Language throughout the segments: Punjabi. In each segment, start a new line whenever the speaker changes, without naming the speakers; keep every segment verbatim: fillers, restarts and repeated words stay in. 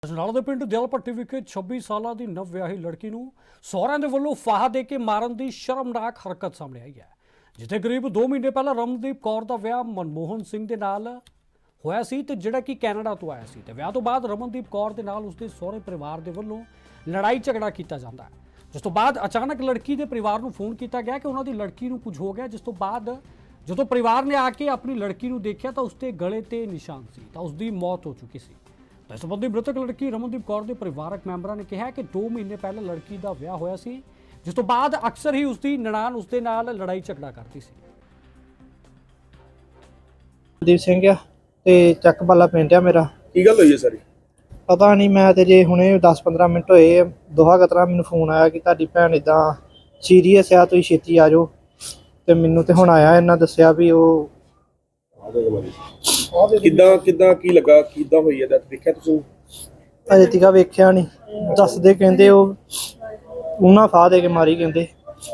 ਅਜਨਾਲਾ ਦੇ ਪਿੰਡ ਦਿਲਪੱਟੀ ਵਿਖੇ ਛੱਬੀ ਸਾਲਾਂ ਦੀ ਨਵ ਵਿਆਹੀ ਲੜਕੀ ਨੂੰ ਸਹੁਰਿਆਂ ਦੇ ਵੱਲੋਂ ਫਾਹਾ ਦੇ ਕੇ ਮਾਰਨ ਦੀ ਸ਼ਰਮਨਾਕ ਹਰਕਤ ਸਾਹਮਣੇ ਆਈ ਹੈ। ਜਿੱਥੇ ਕਰੀਬ ਦੋ ਮਹੀਨੇ ਪਹਿਲਾਂ ਰਮਨਦੀਪ ਕੌਰ ਦਾ ਵਿਆਹ ਮਨਮੋਹਨ ਸਿੰਘ ਦੇ ਨਾਲ ਹੋਇਆ ਸੀ ਤੇ ਜਿਹੜਾ ਕਿ ਕੈਨੇਡਾ ਤੋਂ ਆਇਆ ਸੀ ਤੇ ਵਿਆਹ ਤੋਂ ਬਾਅਦ ਰਮਨਦੀਪ ਕੌਰ ਦੇ ਨਾਲ ਉਸਦੇ ਸਹੁਰੇ ਪਰਿਵਾਰ ਦੇ ਵੱਲੋਂ ਲੜਾਈ ਝਗੜਾ ਕੀਤਾ ਜਾਂਦਾ ਹੈ। ਜਿਸ ਤੋਂ ਬਾਅਦ ਅਚਾਨਕ ਲੜਕੀ ਦੇ ਪਰਿਵਾਰ ਨੂੰ ਫੋਨ ਕੀਤਾ ਗਿਆ ਕਿ ਉਹਨਾਂ ਦੀ ਲੜਕੀ ਨੂੰ ਕੁਝ ਹੋ ਗਿਆ। ਜਿਸ ਤੋਂ ਬਾਅਦ ਜਦੋਂ ਪਰਿਵਾਰ ਨੇ ਆ ਕੇ ਆਪਣੀ ਲੜਕੀ ਨੂੰ ਦੇਖਿਆ ਤਾਂ ਉਸਦੇ ਗਲੇ ਤੇ ਨਿਸ਼ਾਨ ਸੀ ਤਾਂ ਉਸਦੀ ਮੌਤ ਹੋ ਚੁੱਕੀ ਸੀ। ਇਸ ਸੰਬੰਧੀ ਮ੍ਰਿਤਕ ਲੜਕੀ ਰਮਨਦੀਪ ਕੌਰ ਦੇ ਪਰਿਵਾਰਕ ਮੈਂਬਰਾਂ ਨੇ ਕਿਹਾ ਕਿ ਦੋ ਮਹੀਨੇ ਪਹਿਲਾਂ ਲੜਕੀ ਦਾ ਵਿਆਹ ਹੋਇਆ ਸੀ, ਜਿਸ ਤੋਂ ਬਾਅਦ ਅਕਸਰ ਹੀ ਉਸਦੀ ਨਨਾਣ ਉਸਦੇ ਨਾਲ ਲੜਾਈ ਝਗੜਾ ਕਰਦੀ ਸੀ।
ਦੀਪ ਸਿੰਘ ਆ ਤੇ ਚੱਕ ਬਾਲਾ ਪਿੰਡ ਆ ਮੇਰਾ।
ਕੀ ਗੱਲ ਹੋਈ ਹੈ ਸਾਰੀ?
ਪਤਾ ਨਹੀਂ, ਮੈਂ ਤੇ ਜੇ ਹੁਣੇ ਦਸ ਪੰਦਰਾਂ ਮਿੰਟ ਹੋਏ ਦੋਹਾ ਕਤਰਾ ਮੈਨੂੰ ਫੋਨ ਆਇਆ ਕਿ ਤੁਹਾਡੀ ਭੈਣ ਇਦਾਂ ਸੀਰੀਅਸ ਆ, ਤੁਸੀਂ ਛੇਤੀ ਆ ਜਾਓ। ਤੇ ਮੈਨੂੰ ਤੇ ਹੁਣ ਆਇਆ, ਇਹਨਾਂ ਦੱਸਿਆ ਵੀ ਉਹ
ਕਿੱਦਾਂ ਕਿੱਦਾਂ ਕੀ ਲੱਗਾ, ਕਿੱਦਾਂ ਹੋਈ ਹੈ? ਦੱਸ ਦੇਖਿਆ ਤੁਸੀਂ?
ਅਜੇ ਤੀਕਾ ਵੇਖਿਆ ਨਹੀਂ, ਦੱਸਦੇ ਕਹਿੰਦੇ ਉਹ ਉਹਨਾਂ ਫਾਹ ਦੇ ਕੇ ਮਾਰੀ ਕਹਿੰਦੇ।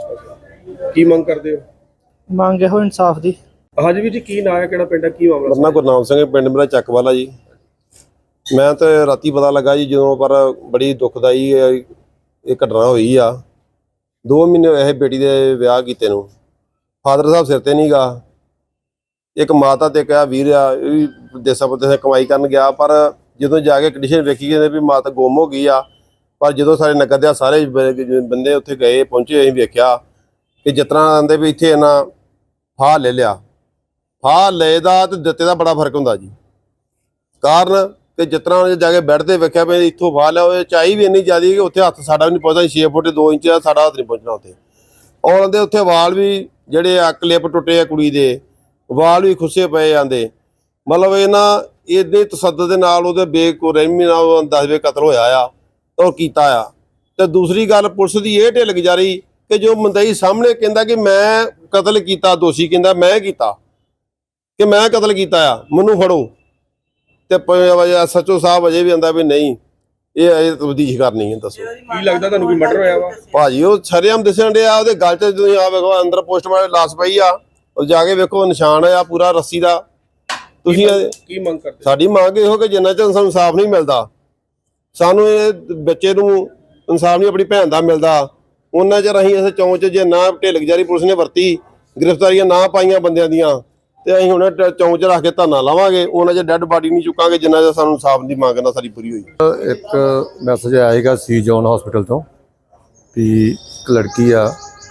ਕੀ ਮੰਗ ਕਰਦੇ ਹੋ?
ਮੰਗ ਇਹੋ ਇਨਸਾਫ ਦੀ।
ਹਾਂਜੀ ਵੀਰ ਜੀ, ਕੀ ਨਾਂ ਹੈ, ਕਿਹੜਾ ਪਿੰਡ ਹੈ, ਕੀ ਮਾਮਲਾ?
ਮੇਰਾ ਗੁਰਨਾਮ ਸਿੰਘ, ਪਿੰਡ ਮੇਰਾ ਚੱਕਵਾਲਾ ਜੀ। ਮੈਂ ਤਾਂ ਰਾਤੀ ਪਤਾ ਲੱਗਾ ਜੀ ਜਦੋਂ, ਪਰ ਬੜੀ ਦੁਖਦਾਈ ਇਹ ਘਟਨਾ ਹੋਈ ਆ। ਦੋ ਮਹੀਨੇ ਹੋਏ ਬੇਟੀ ਦੇ ਵਿਆਹ ਕੀਤੇ ਨੂੰ, ਫਾਦਰ ਸਾਹਿਬ ਸਿਰ ਤੇ ਨਹੀਂ ਗਾ। ਇੱਕ ਮਾਤਾ ਤੇ ਕਿਹਾ ਵੀਰ ਆ, ਇਹ ਵੀ ਦੇਸਾਂ ਪਰਦੇਸਾਂ ਕਮਾਈ ਕਰਨ ਗਿਆ, ਪਰ ਜਦੋਂ ਜਾ ਕੇ ਕੰਡੀਸ਼ਨ ਵੇਖੀ ਕਹਿੰਦੇ ਵੀ ਮਾਤਾ ਗੁੰਮ ਹੋ ਗਈ ਆ। ਪਰ ਜਦੋਂ ਸਾਰੇ ਨਗਰ ਦੇ ਸਾਰੇ ਬੰਦੇ ਉੱਥੇ ਗਏ ਪਹੁੰਚੇ, ਅਸੀਂ ਵੇਖਿਆ ਕਿ ਜਿਸ ਤਰ੍ਹਾਂ ਆਂਦੇ ਵੀ ਇੱਥੇ ਇਹਨਾਂ ਫਾਹ ਲੈ ਲਿਆ। ਫਾਹ ਲਏ ਦਾ ਤੇ ਦਿੱਤੇ ਦਾ ਬੜਾ ਫਰਕ ਹੁੰਦਾ ਜੀ। ਕਾਰਨ ਕਿ ਜਿਸ ਤਰ੍ਹਾਂ ਜਾ ਕੇ ਬੈੱਡ ਤੇ ਵੇਖਿਆ ਵੀ ਇੱਥੋਂ ਫਾਹ ਲਿਆ, ਉਹ ਚਾਈ ਵੀ ਇੰਨੀ ਜ਼ਿਆਦਾ ਕਿ ਉੱਥੇ ਹੱਥ ਸਾਡਾ ਵੀ ਨਹੀਂ ਪਹੁੰਚਦਾ। ਛੇ ਫੁੱਟ ਦੋ ਇੰਚ ਦਾ ਸਾਡਾ ਹੱਥ ਨਹੀਂ ਪਹੁੰਚਣਾ ਉੱਥੇ। ਔਰ ਦੇ ਉੱਥੇ ਵਾਲ ਵੀ ਜਿਹੜੇ ਆ ਕਲਿੱਪ ਟੁੱਟੇ ਆ, ਕੁੜੀ ਦੇ ਵਾਲ ਵੀ ਖੁੱਸੇ ਪਏ ਜਾਂਦੇ। ਮਤਲਬ ਇਹਨਾਂ ਇਹਦੇ ਤਸੱਦਦ ਦੇ ਨਾਲ ਉਹਦੇ ਬੇਕੁਰਹਿਮੀ ਨਾਲ ਦਸਵੇਂ ਕਤਲ ਹੋਇਆ ਆ ਔਰ ਕੀਤਾ ਆ। ਤੇ ਦੂਸਰੀ ਗੱਲ, ਪੁਲਿਸ ਦੀ ਇਹ ਢਿੱਲ ਗੁਜ਼ਾਰੀ ਕਿ ਜੋ ਮੰਦਈ ਸਾਹਮਣੇ ਕਹਿੰਦਾ ਕਿ ਮੈਂ ਕਤਲ ਕੀਤਾ, ਦੋਸ਼ੀ ਕਹਿੰਦਾ ਮੈਂ ਕੀਤਾ, ਕਿ ਮੈਂ ਕਤਲ ਕੀਤਾ ਆ, ਮੈਨੂੰ ਫੜੋ। ਤੇ ਸੱਚੋ ਸਾਹਿਬ ਅਜੇ ਵੀ ਆਂਦਾ ਵੀ ਨਹੀਂ, ਇਹ ਅਜੇ ਤਬਦੀਸ਼ ਕਰਨੀ ਹੈ। ਦੱਸੋ
ਕੀ ਲੱਗਦਾ ਤੁਹਾਨੂੰ, ਕੋਈ ਮਰਡਰ ਹੋਇਆ ਵਾ?
ਭਾਜੀ ਉਹ ਸ਼ਰੇਆਮ ਦਿਸਣ ਡਿਆ, ਉਹਦੇ ਗਲ 'ਚ ਤੁਸੀਂ ਆ ਵੇਖੋ ਅੰਦਰ ਪੋਸਟਮਾਰਟਮ ਲਾਸ਼ ਪਈ ਆ, ਉਹ ਜਾ ਕੇ ਵੇਖੋ ਨਿਸ਼ਾਨ ਆ ਪੂਰਾ ਰੱਸੀ ਦਾ। ਤੁਸੀਂ
ਕੀ ਮੰਗ ਕਰਦੇ?
ਸਾਡੀ ਮੰਗ ਇਹੋ ਕਿ ਜਿੰਨਾ ਚਿਰ ਸਾਨੂੰ ਇਨਸਾਫ ਨਹੀਂ ਮਿਲਦਾ, ਸਾਨੂੰ ਇਹ ਬੱਚੇ ਨੂੰ ਇਨਸਾਫ ਨਹੀਂ ਆਪਣੀ ਭੈਣ ਦਾ ਮਿਲਦਾ, ਉਹਨਾਂ ਚਿਰ ਅਸੀਂ ਇਸ ਚੌਂਚ 'ਚ ਜੇ ਨਾ ਢਿੱਲ ਗੁਜ਼ਾਰੀ ਪੁਲਿਸ ਨੇ ਵਰਤੀ, ਗ੍ਰਿਫਤਾਰੀਆਂ ਨਾ ਪਾਈਆਂ ਬੰਦਿਆਂ ਦੀਆਂ, ਤੇ ਅਸੀਂ ਹੁਣ ਚੌਂਚ 'ਚ ਰੱਖ ਕੇ ਧਰਨਾ ਲਾਵਾਂਗੇ। ਉਹਨਾਂ ਚਿਰ ਡੈੱਡ ਬਾਡੀ ਨਹੀਂ ਚੁੱਕਾਂਗੇ ਜਿੰਨਾ ਚਿਰ ਸਾਨੂੰ ਇਨਸਾਫ ਦੀ ਮੰਗ ਨਾ ਸਾਡੀ ਪੂਰੀ ਹੋਈ।
ਇੱਕ ਮੈਸੇਜ ਆਏਗਾ ਸੀ ਜੋਨ ਹਸਪੀਟਲ ਤੋਂ ਵੀ ਇੱਕ ਲੜਕੀ ਆ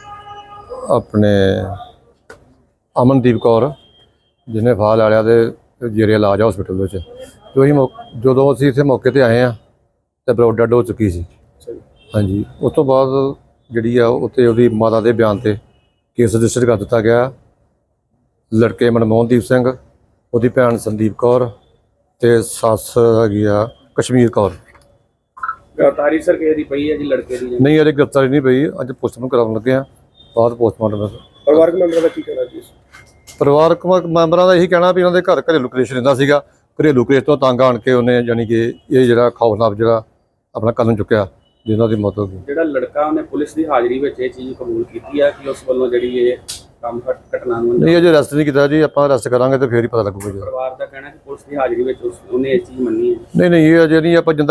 ਆਪਣੇ ਅਮਨਦੀਪ ਕੌਰ, ਜਿਹਨੇ ਫਾਹ ਲੈ ਲਿਆ ਤੇ ਜੇਰੇ ਇਲਾਜ ਆ ਹਸਪੀਟਲ ਵਿੱਚ। ਜੋ ਅਸੀਂ ਜਦੋਂ ਅਸੀਂ ਇੱਥੇ ਮੌਕੇ 'ਤੇ ਆਏ ਹਾਂ ਤਾਂ ਬਰੋਡ ਡੈਡ ਹੋ ਚੁੱਕੀ ਸੀ। ਹਾਂਜੀ, ਉਸ ਤੋਂ ਬਾਅਦ ਜਿਹੜੀ ਆ ਉੱਥੇ ਉਹਦੀ ਮਾਤਾ ਦੇ ਬਿਆਨ 'ਤੇ ਕੇਸ ਰਜਿਸਟਰ ਕਰ ਦਿੱਤਾ ਗਿਆ। ਲੜਕੇ ਮਨਮੋਹਨਦੀਪ ਸਿੰਘ, ਉਹਦੀ ਭੈਣ ਸੰਦੀਪ ਕੌਰ ਤੇ ਸੱਸ ਹੈਗੀ ਆ ਕਸ਼ਮੀਰ ਕੌਰ।
ਗ੍ਰਿਫਤਾਰੀ ਸਰ ਕਿਸੇ ਦੀ ਪਈ ਹੈ ਜੀ ਲੜਕੇ ਦੀ?
ਨਹੀਂ, ਅਜੇ ਗ੍ਰਿਫਤਾਰੀ ਨਹੀਂ ਪਈ, ਅੱਜ ਪੋਸਟਮਾਰਟਮ ਕਰਾਉਣ ਲੱਗੇ ਆ, ਬਾਅਦ ਪੋਸਟਮਾਰਟਮ।
ਪਰਿਵਾਰਕ ਮੈਂਬਰਾਂ ਦਾ ਕੀ ਕਹਿਣਾ ਜੀ?
ਪਰਿਵਾਰਕ ਮੈਂਬਰਾਂ ਦਾ ਇਹੀ ਕਹਿਣਾ ਵੀ ਉਹਨਾਂ ਦੇ ਘਰ ਘਰੇਲੂ ਕਲੇਸ਼ ਰਹਿੰਦਾ ਸੀਗਾ। ਘਰੇਲੂ ਕਲੇਸ਼ ਤੋਂ ਤੰਗ ਆਣ ਕੇ ਉਹਨੇ ਯਾਨੀ ਕਿ ਇਹ ਜਿਹੜਾ ਖੌਫਨਾਕ ਜਿਹੜਾ ਆਪਣਾ ਕਦਮ ਚੁੱਕਿਆ, ਜਿਹਨਾਂ ਦੀ ਮੌਤ ਹੋ ਗਈ।
ਜਿਹੜਾ ਲੜਕਾ ਉਹਨੇ ਪੁਲਿਸ ਦੀ ਹਾਜ਼ਰੀ ਵਿੱਚ ਇਹ ਚੀਜ਼ ਕਬੂਲ ਕੀਤੀ ਆ ਕਿ ਉਸ ਵੱਲੋਂ ਜਿਹੜੀ ਇਹ ਕੰਮ ਘਟਨਾ ਨੂੰ
ਨਹੀਂ ਅਜੇ ਅਰੈਸਟ ਨਹੀਂ ਕੀਤਾ ਜੀ, ਆਪਾਂ ਅਰੈਸਟ ਕਰਾਂਗੇ ਤੇ ਫੇਰ ਹੀ ਪਤਾ ਲੱਗੂਗਾ ਜੀ।
ਪਰਿਵਾਰ ਦਾ ਕਹਿਣਾ ਕਿ ਪੁਲਿਸ ਦੀ ਹਾਜ਼ਰੀ ਵਿੱਚ ਉਹਨੇ ਇਹ ਚੀਜ਼ ਮੰਨੀ ਹੈ।
ਨਹੀਂ ਨਹੀਂ ਇਹ ਅਜੇ ਨਹੀਂ, ਆਪਾਂ ਜਿੰਦਾ